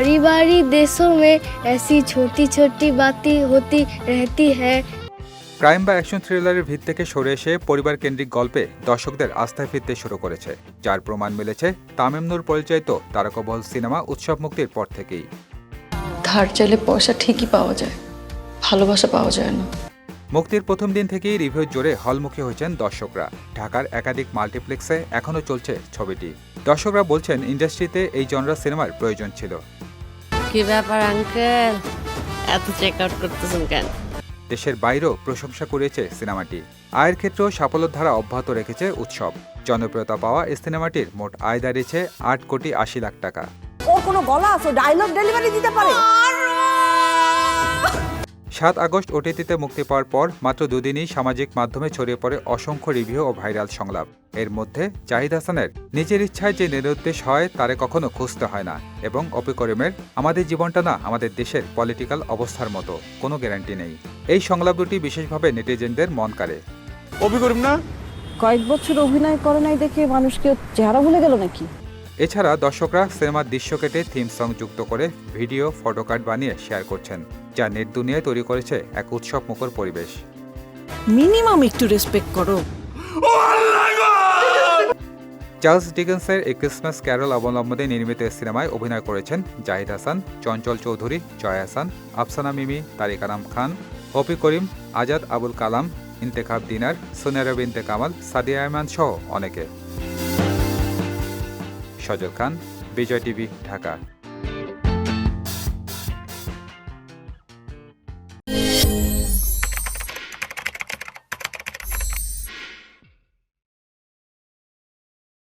बारी बारी देशों में ऐसी छोटी छोटी बातें होती रहती है। ক্রাইম বা অ্যাকশন থ্রিলারের ভিত থেকে সরে এসে পরিবার কেন্দ্রিক গল্পে দর্শকদের আস্থায় ফিরতে শুরু করেছে, যার প্রমাণ মিলেছে তামিম নূর পরিচালিত তারকাবহল সিনেমা উৎসব মুক্তির পর থেকেই। ধার চাইলে পয়সা ঠিকই পাওয়া যায়, ভালোবাসা পাওয়া যায় না। মুক্তির প্রথম দিন থেকেই রিভিউ জোরে হলমুখী হয়েছেন দর্শকরা। ঢাকার একাধিক মাল্টিপ্লেক্সে এখনও চলছে ছবিটি। দর্শকরা বলছেন ইন্ডাস্ট্রিতে এই জনরা সিনেমার প্রয়োজন ছিল। কি ব্যাপার আঙ্কেল, এত চেক আউট করতেছেন কেন? দেশের বাইরেও প্রশংসা কুড়িয়েছে সিনেমাটি। আয়ের ক্ষেত্রেও সাফল্যের ধারা অব্যাহত রেখেছে উৎসব। জনপ্রিয়তা পাওয়া এই সিনেমাটির মোট আয় দাঁড়িয়েছে 8,80,00,000 টাকা। ওর কোনো গলা আছে, ডায়লগ ডেলিভারি দিতে পারে। 7 আগস্ট ওটিটিতে মুক্তি পাওয়ার পর মাত্র দুদিনই সামাজিক মাধ্যমে ছড়িয়ে পড়ে অসংখ্য রিভিউ ও ভাইরাল সংলাপ। এর মধ্যে জাহিদ হাসানের নিজের ইচ্ছায় যে নিরুদ্দেশ হয় তারে কখনো খুঁজতে হয় না, এবং অপি করিমের আমাদের জীবনটা না আমাদের দেশের পলিটিক্যাল অবস্থার মতো, কোনো গ্যারান্টি নেই। এই সংলাপ দুটি বিশেষভাবে নেটিজেনদের মন কাড়ে। অপি করিম না কয়েক বছর অভিনয় করে নাই দেখে মানুষকে চেহারা ভুলে গেল নাকি? এছাড়া দর্শকরা সিনেমার দৃশ্য কেটে থিম সং যুক্ত করে ভিডিও, ফটোকার্ড বানিয়ে শেয়ার করছেন, যা নেট দুনিয়ায় তৈরি করেছে এক উৎসব মুখর পরিবেশ। মিনিমাম একটু রেসপেক্ট করো। চার্লস ডিকেন্সের এ ক্রিসমাস ক্যারল অবলম্বনে নির্মিত এই সিনেমায় অভিনয় করেছেন জাহিদ হাসান, চঞ্চল চৌধুরী, জয় হাসান, আফসানা মিমি, তারিক আনাম খান, অপি করিম, আজাদ আবুল কালাম, ইন্তেখাব দিনার, সোনেরা বিনতে কামাল, সাদিয়া আয়মান সহ অনেকে। সজল খান, বিজয় টিভি, ঢাকা।